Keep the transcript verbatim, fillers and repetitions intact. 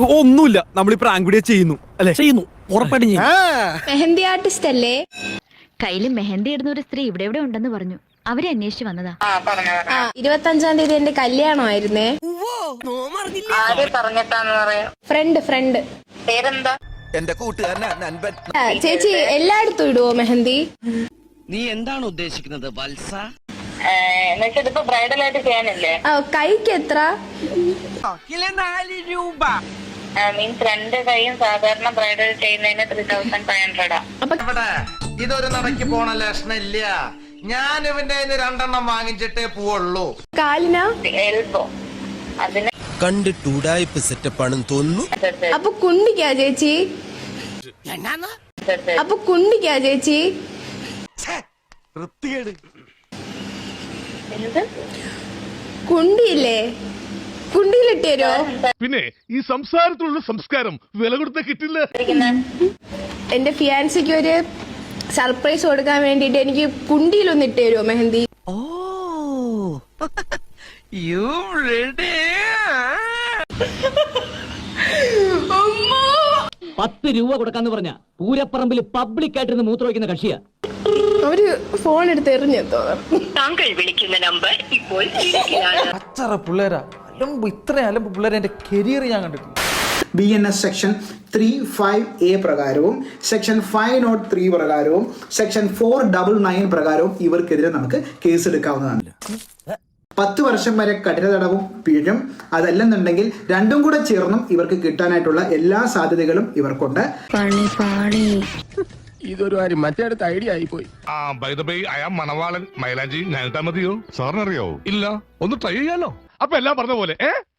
ഒന്നുമില്ല, നമ്മൾ ഈ പ്രാങ്ക് വീഡിയോ ചെയ്യുന്നു അല്ലെ? ചെയ്യുന്നു, ഉറപ്പായിട്ടും ചെയ്യും. മെഹന്തി ആർട്ടിസ്റ്റ് അല്ലേ? കയ്യിൽ മെഹന്തി ഇടുന്ന ഒരു സ്ത്രീ ഇവിടെ ഇവിടെ ഉണ്ടെന്ന് പറഞ്ഞു. അവരെ അന്വേഷിച്ച് വന്നതാ. ആ ഇരുപത്തി അഞ്ചാം തീയതി എന്റെ കല്യാണമായിരുന്നേ. ഫ്രണ്ട് ഫ്രണ്ട് പേരെന്താ? എന്റെ കൂട്ടുകാരനാ നൻപൻ. ചേച്ചി എല്ലായിടത്തും ഇടുവോ മെഹന്തി? നീ എന്താണ് ഉദ്ദേശിക്കുന്നത് വത്സ? എന്നുവെച്ചിപ്പോ ബ്രൈഡൽ ആയിട്ട് ചെയ്യാനില്ലേ? ആ കൈക്ക് എത്ര? നാല് രൂപ. മീൻസ് രണ്ട് കൈയും സാധാരണ ബ്രൈഡൽ ചെയ്യുന്നതിന് ത്രീ തൗസൻഡ് ഫൈവ് ഹൺഡ്രഡാ. അപ്പൊ ഇതൊരു നടക്ക് പോണ ലക്ഷണില്ല. ഞാൻ ഇവന്റെ രണ്ടെണ്ണം വാങ്ങിച്ചിട്ടേ പോവുള്ളൂ. കാലിനാ? എൽബോ അതിന് കണ്ടിട്ട് ഉടായ്പ സെറ്റപ്പാണെന്ന് തോന്നുന്നു. അപ്പൊ കുണ്ടിക്കാ ചേച്ചി? അപ്പൊ കുണ്ടിക്കാ ചേച്ചി? കുണ്ടിയില്ലേ? കുണ്ടിയിലിട്ട് തരുമോ? പിന്നെ ഈ സംസാരത്തിലുള്ള സംസ്കാരം വില കൊടുത്ത കിട്ടില്ല. എന്റെ ഫിയാൻസിക്ക് ഒരു സർപ്രൈസ് കൊടുക്കാൻ വേണ്ടിട്ട് എനിക്ക് കുണ്ടിയിലൊന്ന് ഇട്ട് തരുമോ മെഹന്തി? ഓ യു റെഡി? പത്ത് രൂപ കൊടുക്കാന്ന് പറഞ്ഞ പൂരപ്പറമ്പിൽ പബ്ലിക് ആയിട്ടിരുന്ന് മൂത്ര വയ്ക്കുന്ന കക്ഷിയാ. അവര് ഫോൺ എടുത്ത് എറിഞ്ഞെത്തോ? താങ്കൾ വിളിക്കുന്ന നമ്പർ ഇപ്പോൾ അച്ചറ പിള്ളേരാ, അലമ്പ്, ഇത്ര അലമ്പ് പിള്ളേരെ എന്റെ കരിയർ ഞാൻ കണ്ടിട്ടില്ല. B N S section three five A പ്രകാരവും സെക്ഷൻ ഫൈവ് നോട്ട് ത്രീ പ്രകാരവും സെക്ഷൻ ഫോർ ഡബിൾ നയൻ പ്രകാരവും ഇവർക്കെതിരെ നമുക്ക് കേസെടുക്കാവുന്നതാണ്. പത്ത് വർഷം വരെ കഠിന തടവും പിഴയും. അതല്ലെന്നുണ്ടെങ്കിൽ രണ്ടും കൂടെ ചേർന്നും ഇവർക്ക് കിട്ടാനായിട്ടുള്ള എല്ലാ സാധ്യതകളും ഇവർക്കുണ്ട്. ഇതൊരു കാര്യം മറ്റേടത്ത് ഐഡിയ ആയിപ്പോയി. ആ ബൈ ദ ബൈ അയാൾ മണവാളൻ മൈലാഞ്ചി ഞാനിട്ടാ മതിയോ? സാറിനറിയോ? ഇല്ല, ഒന്ന് ട്രൈ ചെയ്യാലോ. അപ്പൊ എല്ലാം പറഞ്ഞ പോലെ ഏ